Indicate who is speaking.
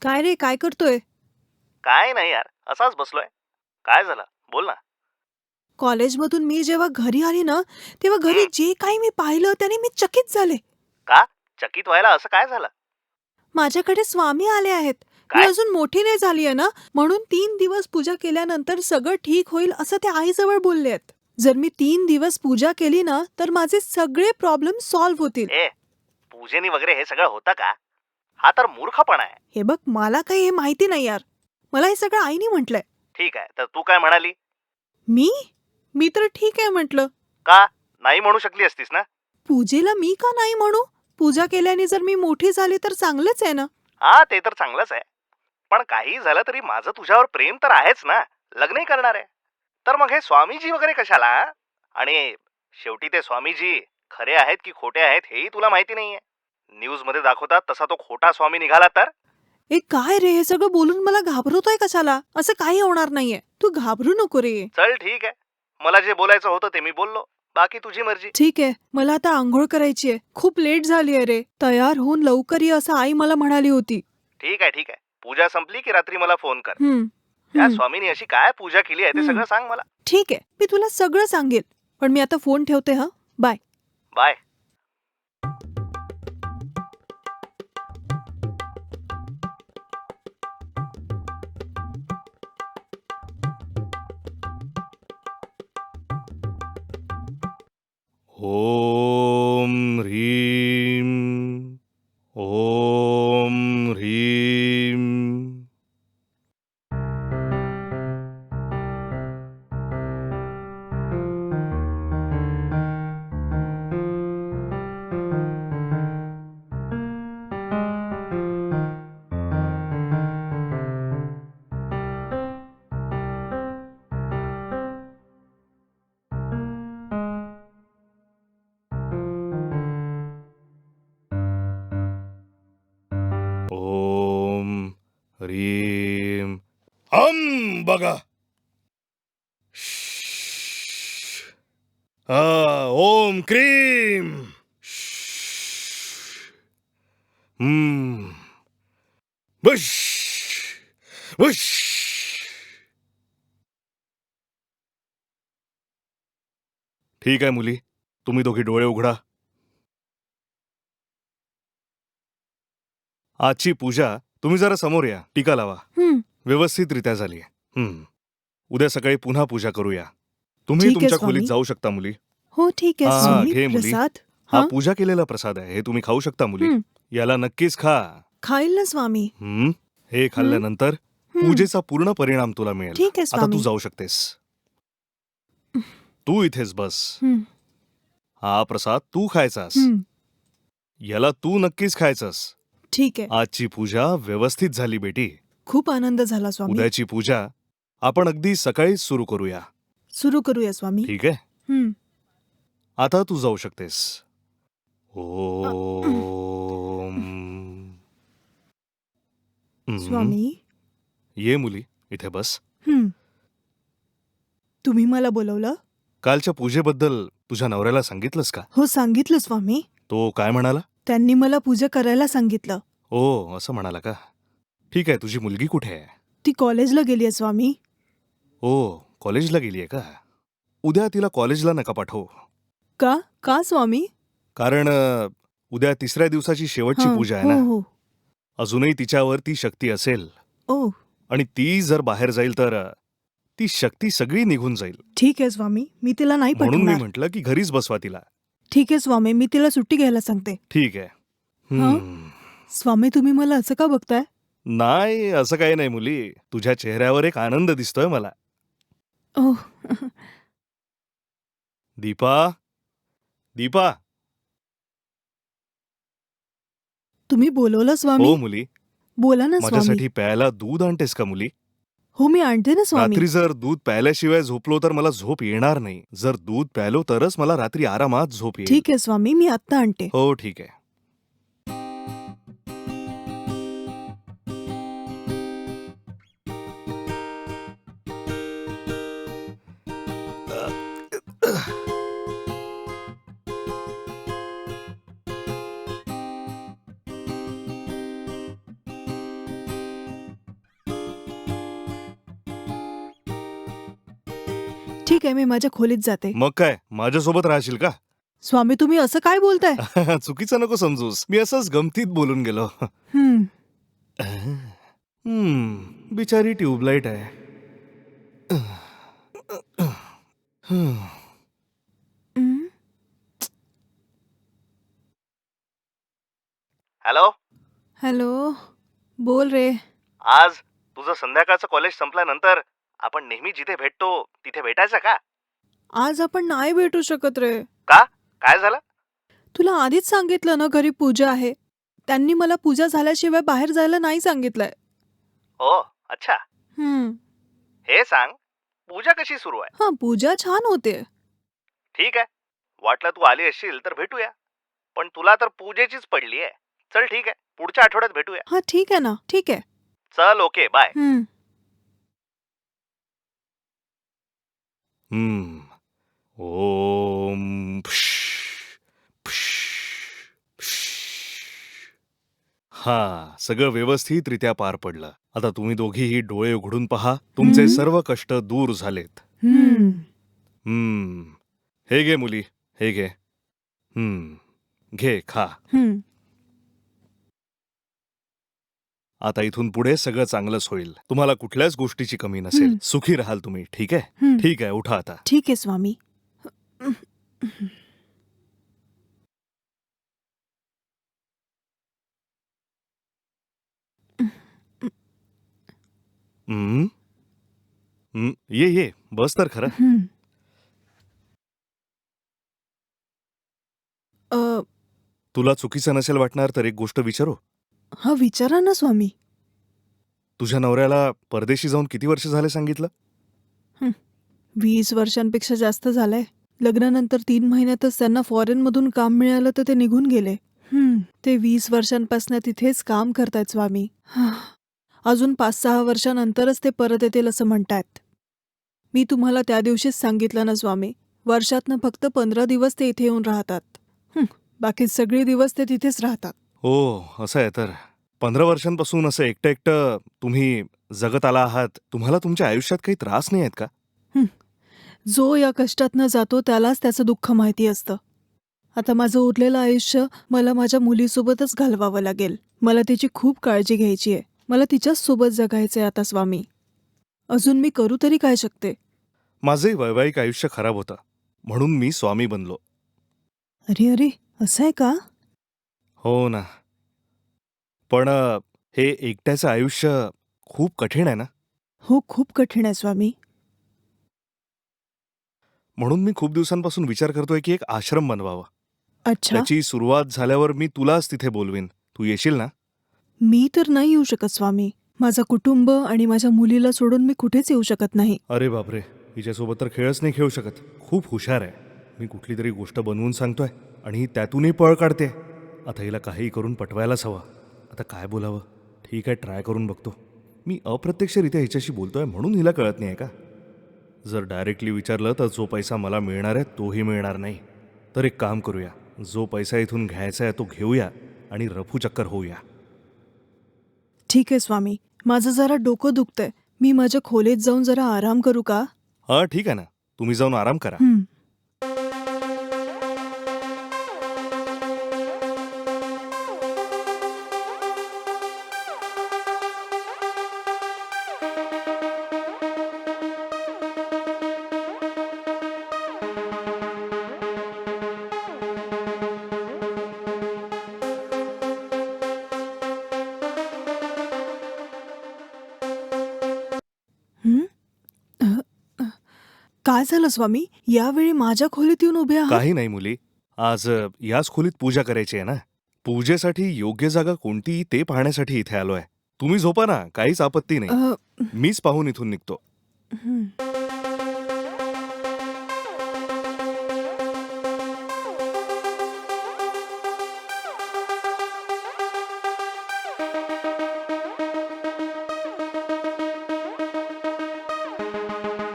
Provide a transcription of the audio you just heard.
Speaker 1: काय रे, काय करतोय?
Speaker 2: काय नाही यार, असाच बसलोय. काय झालं? बोल ना.
Speaker 1: कॉलेजमधून मी जेव्हा घरी आली ना, तेव्हा घरी
Speaker 2: हं.
Speaker 1: जे काही मी पाहिलं त्याने मी चकित झाले.
Speaker 2: का? चकित व्हायला असं काय झालं?
Speaker 1: माझ्याकडे स्वामी आले आहेत. मी
Speaker 2: काय?
Speaker 1: अजून मोठी नाही झाली आहे ना, म्हणून 3 दिवस पूजा केल्यानंतर सगळं ठीक होईल असं ते आईजवळ बोलले आहेत. जर मी 3 दिवस पूजा केली ना, तर माझे सगळे प्रॉब्लेम सॉल्व्ह होतील.
Speaker 2: ए, पूजेनी वगैरे हे सगळं होतं का? हा तर मूर्खपणा आहे.
Speaker 1: हे बघ, मला काही हे माहिती नाही यार. मला हे सगळं आईने म्हटलंय.
Speaker 2: ठीक आहे, तर तू काय म्हणाली?
Speaker 1: मी? मी तर ठीक आहे म्हटलं.
Speaker 2: का? नाही म्हणू शकली असतीस ना?
Speaker 1: पूजेला मी का नाही म्हणू? पूजा केल्याने जर मी मोठी झाली तर चांगलंच आहे ना.
Speaker 2: हा, ते तर चांगलंच आहे. पण काही झालं तरी माझं तुझ्यावर प्रेम तर आहेच ना. लग्नही करणार आहे. तर मग हे स्वामीजी वगैरे कशाला? आणि शेवटी ते स्वामीजी खरे आहेत की खोटे आहेत हेही तुला माहिती नाहीये. न्यूज मध्ये दाखवतात तसा तो खोटा स्वामी निघाला तर?
Speaker 1: ए काय रे, हे सगळं बोलून मला घाबरवतोय कशाला? असं काही होणार नाहीये. तू घाबरू नको रे.
Speaker 2: चल ठीक आहे. मला जे बोलायचं होतं ते मी बोललो. बाकी तुझी मर्जी.
Speaker 1: ठीक आहे, मला आता आंघोळ करायची आहे. खूप लेट झाली आहे रे. तयार होऊन लवकर ये असं आई मला म्हणाली होती.
Speaker 2: ठीक आहे, ठीक आहे. पूजा संपली की रात्री मला फोन कर.
Speaker 1: हं,
Speaker 2: त्या
Speaker 1: हं,
Speaker 2: स्वामीनी अशी काय पूजा केली आहे ते
Speaker 1: हं.
Speaker 2: सगळं सांग मला.
Speaker 1: ठीक आहे, मी तुला सगळं सांगेल. पण मी आता फोन ठेवते हं. बाय.
Speaker 2: बाय. ओम ह्रीम. ओम ह्रीम. ओम ह्रीम. हम बघा. ओम क्रीम. बुश बुश. ठीक आहे मुली, तुम्ही दोघी डोळे उघडा. आजची पूजा तुम्ही जरा समोर या, टीका लावा.
Speaker 1: हं,
Speaker 2: व्यवस्थितरित्या झाली. उद्या सकाळी पुन्हा पूजा करूया. तुम्ही
Speaker 1: ठीक आहे
Speaker 2: तुमच्या खोलीत
Speaker 1: स्वामी.
Speaker 2: जाऊ शकता मुली.
Speaker 1: हो ठीक आहे
Speaker 2: हा
Speaker 1: स्वामी.
Speaker 2: घे मुली.
Speaker 1: प्रसाद?
Speaker 2: हा
Speaker 1: हं,
Speaker 2: पूजा केलेला प्रसाद आहे, हे तुम्ही खाऊ शकता मुली.
Speaker 1: हं.
Speaker 2: याला नक्कीच खा.
Speaker 1: खाईल ना स्वामी.
Speaker 2: हे खाल्ल्यानंतर
Speaker 1: हं.
Speaker 2: पूजेचा पूर्ण परिणाम तुला मिळेल.
Speaker 1: ठीक आहे
Speaker 2: आता तू
Speaker 1: स्वामी.
Speaker 2: जाऊ शकतेस. तू इथेच बस.
Speaker 1: हं,
Speaker 2: हा प्रसाद तू खायचास.
Speaker 1: हं.
Speaker 2: याला तू नक्कीच खायचंस.
Speaker 1: ठीक आहे.
Speaker 2: आजची पूजा व्यवस्थित झाली बेटी.
Speaker 1: खूप आनंद झाला स्वामी.
Speaker 2: उद्याची पूजा आपण अगदी सकाळीच सुरू करूया.
Speaker 1: सुरू करूया स्वामी.
Speaker 2: ठीक आहे?
Speaker 1: हं.
Speaker 2: आता तू जाऊ शकतेस. ओम.
Speaker 1: स्वामी.
Speaker 2: ये मुली, इथे बस.
Speaker 1: हं. तुम्ही मला बोलवलं?
Speaker 2: कालच्या पूजेबद्दल तुझ्या नवऱ्याला सांगितलंस का?
Speaker 1: हो सांगितलं स्वामी.
Speaker 2: तो काय म्हणाला?
Speaker 1: त्यांनी मला पूजा करायला सांगितलं.
Speaker 2: ओ, असं म्हणाला का? ठीक आहे, तुझी मुलगी कुठे आहे?
Speaker 1: ती कॉलेजला गेली आहे स्वामी.
Speaker 2: ओ, कॉलेजला गेलीये का? उद्या तिला कॉलेजला नका पाठवू.
Speaker 1: का? का स्वामी?
Speaker 2: कारण उद्या तिसऱ्या दिवसाची शेवटची
Speaker 1: हं,
Speaker 2: पूजा आहे
Speaker 1: हो
Speaker 2: ना.
Speaker 1: हो.
Speaker 2: अजूनही तिच्यावर ती शक्ती असेल
Speaker 1: ओ
Speaker 2: आणि ती जर बाहेर जाईल तर ती शक्ती सगळी निघून जाईल.
Speaker 1: ठीक आहे स्वामी, मी तिला नाही
Speaker 2: म्हणून मी
Speaker 1: पाठवणार.
Speaker 2: म्हटलं की घरीच बसवा तिला.
Speaker 1: ठीक आहे स्वामी, मी तिला सुट्टी घ्यायला सांगते.
Speaker 2: ठीक आहे.
Speaker 1: स्वामी तुम्ही मला असं का बघताय?
Speaker 2: नाही, असं काही नाही मुली. तुझ्या चेहऱ्यावर एक आनंद दिसतोय मला.
Speaker 1: ओह
Speaker 2: दीपा, दीपा.
Speaker 1: तुम्ही बोलवलं स्वामी?
Speaker 2: हो मुली.
Speaker 1: बोला ना स्वामी.
Speaker 2: माझ्यासाठी प्यायला दूध आणतेस का मुली?
Speaker 1: हो मी आणते ना स्वामी.
Speaker 2: रात्री जर दूध प्यायल्याशिवाय झोपलो तर मला झोप येणार नाही. जर दूध प्यायलो तरच मला रात्री आरामात झोप येईल.
Speaker 1: ठीक आहे स्वामी, मी आत्ता आणते.
Speaker 2: हो ठीक आहे.
Speaker 1: ठीक आहे, मी माझ्या खोलीत जाते.
Speaker 2: मग काय माझ्यासोबत राहशील का?
Speaker 1: स्वामी, तुम्ही असं काय बोलताय?
Speaker 2: चुकीचं नको समजूस, मी असंच गमतीत बोलून गेलो.
Speaker 1: हं.
Speaker 2: बिचारी ट्यूबलाईट आहे.
Speaker 1: हं.
Speaker 2: हॅलो,
Speaker 1: हॅलो, बोल रे.
Speaker 2: आज तुझं संध्याकाळचं कॉलेज संपल्यानंतर आपण नेहमी जिथे भेटतो तिथे भेटायचं का?
Speaker 1: आज आपण नाही भेटू शकत रे.
Speaker 2: का? काय झालं?
Speaker 1: तुला आधीच सांगितलं ना, घरी पूजा आहे. त्यांनी मला पूजा झाल्याशिवाय बाहेर जायला नाही सांगितलंय.
Speaker 2: ओ, अच्छा.
Speaker 1: हं.
Speaker 2: हे सांग, पूजा कशी सुरू आहे?
Speaker 1: हां, पूजा छान होते.
Speaker 2: ठीक आहे, वाटलं तू आली असशील तर भेटूया. पण तुला तर पूजेचीच पडली आहे. चल ठीक आहे, पुढच्या आठवड्यात भेटूया.
Speaker 1: हां, ठीक आहे ना, ठीक आहे.
Speaker 2: चल, ओके, बाय.
Speaker 1: हं.
Speaker 2: ओम हा, सगळं व्यवस्थितरित्या पार पडलं. आता तुम्ही दोघीही डोळे उघडून पहा. तुमचे सर्व कष्ट दूर झालेत.
Speaker 1: हं.
Speaker 2: हे घे मुली, हे घे. घे, खा.
Speaker 1: हं.
Speaker 2: आता इथून पुढे सगळं चांगलंच होईल. तुम्हाला कुठल्याच गोष्टीची कमी नसेल. सुखी राहाल तुम्ही, ठीक आहे?
Speaker 1: हं.
Speaker 2: ठीक आहे, उठा आता.
Speaker 1: ठीक आहे स्वामी.
Speaker 2: हं? ये, बस तर खरं.
Speaker 1: हं.
Speaker 2: तुला चुकीचं नसेल वाटणार तर एक गोष्ट विचारू?
Speaker 1: हां, विचारा ना स्वामी.
Speaker 2: तुझ्या नवऱ्याला परदेशी जाऊन किती वर्ष झाले सांगितलं?
Speaker 1: 20 वर्षांपेक्षा जास्त झालंय. लग्नानंतर 3 महिन्यातच त्यांना फॉरेनमधून काम मिळालं तर ते निघून गेले. ते 20 वर्षांपासून तिथेच काम करतायत स्वामी. अजून 5-6 वर्षानंतरच ते परत येतील असं म्हणतायत. मी तुम्हाला त्या दिवशीच सांगितलं ना स्वामी, वर्षातनं फक्त 15 दिवस ते इथे येऊन राहतात. बाकी सगळे दिवस ते तिथेच राहतात.
Speaker 2: हो, असं आहे तर. 15 वर्षांपासून असं एकटं एकटं तुम्ही जगत आला आहात. तुम्हाला तुमच्या आयुष्यात काही त्रास नाही आहेत का?
Speaker 1: जो या कष्टातनं जातो त्यालाच त्याचं दुःख माहिती असतं. आता माझं उरलेलं आयुष्य मला माझ्या मुलीसोबतच घालवावं लागेल. मला तिची खूप काळजी घ्यायची आहे. मला तिच्याच सोबत जगायचंय आता स्वामी. अजून मी करू तरी काय शकते?
Speaker 2: माझंही वैवाहिक आयुष्य खराब होतं, म्हणून मी स्वामी बनलो.
Speaker 1: अरे, असं आहे का?
Speaker 2: हो ना. पण हे एकट्याचं आयुष्य खूप कठीण आहे ना.
Speaker 1: हो, खूप कठीण आहे स्वामी.
Speaker 2: म्हणून मी खूप दिवसांपासून विचार करतोय की एक आश्रम बनवावा.
Speaker 1: अच्छा,
Speaker 2: त्याची सुरुवात झाल्यावर मी तुलाच तिथे बोलवीन. तू येशील ना?
Speaker 1: मी तर नाही येऊ शकत स्वामी. माझं कुटुंब आणि माझ्या मुलीला सोडून मी कुठेच येऊ शकत नाही.
Speaker 2: अरे बापरे, हिच्यासोबत तर खेळच नाही खेळू शकत. खूप हुशार आहे. मी कुठली तरी गोष्ट बनवून सांगतोय आणि ही त्यातूनही पळ काढते. आता हिला काहीही करून पटवायलाच हवं. आता काय बोलावं? ठीक आहे, ट्राय करून बघतो. मी अप्रत्यक्षरित्या हिच्याशी बोलतोय म्हणून हिला कळत नाही आहे का? जर डायरेक्टली विचारलं तर जो पैसा मला मिळणार आहे तोही मिळणार नाही. तर एक काम करूया, जो पैसा इथून घ्यायचा आहे तो घेऊया आणि रफूचक्कर होऊया.
Speaker 1: ठीक आहे स्वामी. माझं जरा डोकं दुखतंय. मी माझ्या खोलीत जाऊन जरा आराम करू का?
Speaker 2: हां, ठीक आहे ना. तुम्ही जाऊन आराम करा.
Speaker 1: काय झालं स्वामी? यावेळी माझ्या खोलीत येऊन उभे आहात?
Speaker 2: काही नाही मुली, आज याच खोलीत पूजा करायची आहे ना. पूजेसाठी योग्य जागा कोणती ते पाहण्यासाठी इथे आलोय. तुम्ही झोपा ना, काहीच आपत्ती नाही. मीच पाहून इथून निघतो.
Speaker 1: हं.